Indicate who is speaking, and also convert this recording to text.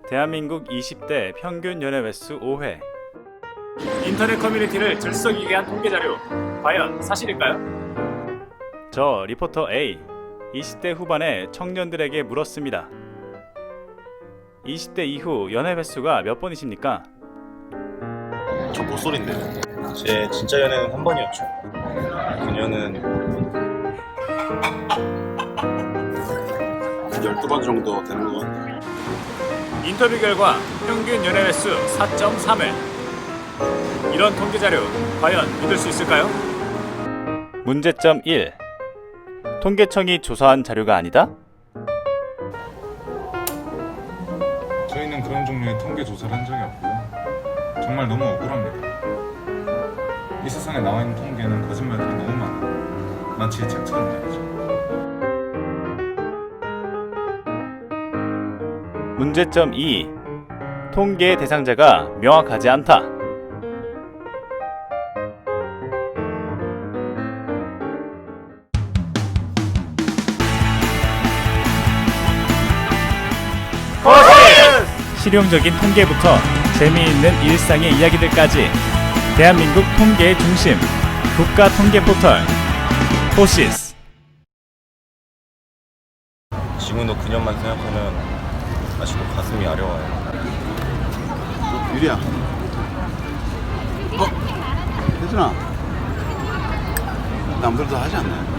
Speaker 1: 대한민국 20대 평균 연애 횟수 5회.
Speaker 2: 인터넷 커뮤니티를 들썩이게 한 통계 자료, 과연 사실일까요?
Speaker 1: 저 리포터 A, 20대 후반의 청년들에게 물었습니다. 20대 이후 연애 횟수가 몇 번이십니까?
Speaker 3: 저 모쏠인데요. 제 진짜 연애는 한 번이었죠. 그녀는 12번 정도 되는 것 같아요.
Speaker 2: 인터뷰 결과 평균 연애 횟수 4.3회. 이런 통계 자료, 과연 믿을 수 있을까요?
Speaker 1: 문제점 1. 통계청이 조사한 자료가 아니다?
Speaker 4: 저희는 그런 종류의 통계 조사를 한 적이 없고요. 정말 너무 억울합니다. 이 세상에 나와 있는 통계는 거짓말들이 너무 많아요. 마치 책처럼 말이죠.
Speaker 1: 문제점 2. 통계 대상자가 명확하지 않다. 실용적인 통계부터 재미있는 일상의 이야기들까지 대한민국 통계의 중심, 국가통계 포털 포시스.
Speaker 3: 지금도 그녀만 생각하면 아직도 가슴이 아려워요.
Speaker 5: 유리야. 혜준아. 남들도 하지 않나요?